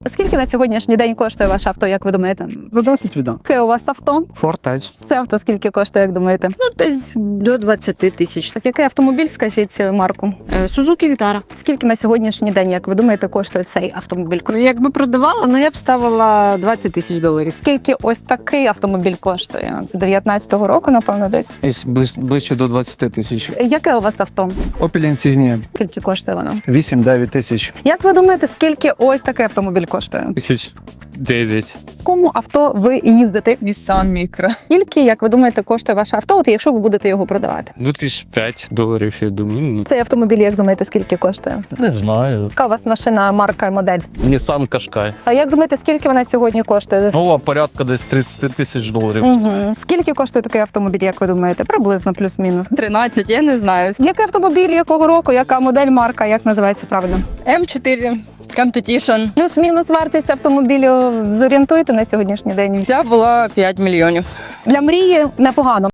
Скільки на сьогоднішній день коштує ваше авто, як ви думаєте? За 10 віддам. Яке у вас авто? Фортеч. Це авто скільки коштує, як думаєте? Десь до 20 тисяч. Так, який автомобіль, скажіть марку? Сузуки Вітара. Скільки на сьогоднішній день, як ви думаєте, коштує цей автомобіль? Якби продавала, ну я б ставила 20 тисяч доларів. Скільки ось такий автомобіль коштує? З 19-го року, напевно, десь. Десь ближче до 20 тисяч. Яке у вас авто? Opel Insignia. Скільки коштує воно? 8-9 тисяч. Як ви думаєте, скільки ось такий автомобіль коштує? 1009. В якому авто ви їздите? Nissan Micra. Скільки, як ви думаєте, коштує ваше авто, от якщо ви будете його продавати? Ну, $5, я думаю. Ну, Цей автомобіль, як думаєте, скільки коштує? не знаю. Яка у вас машина, марка і модель? Nissan Qashqai. А як думаєте, скільки вона сьогодні коштує? Ну, порядка десь $30 тисяч. Угу. Скільки коштує такий автомобіль, як ви думаєте? Приблизно плюс-мінус. 13, я не знаю. Який автомобіль, якого року, яка модель, марка, як називається правильно? М4 Competition. Плюс-мінус вартість автомобілю зорієнтуйте на сьогоднішній день. Ця була 5 мільйонів. Для мрії непогано.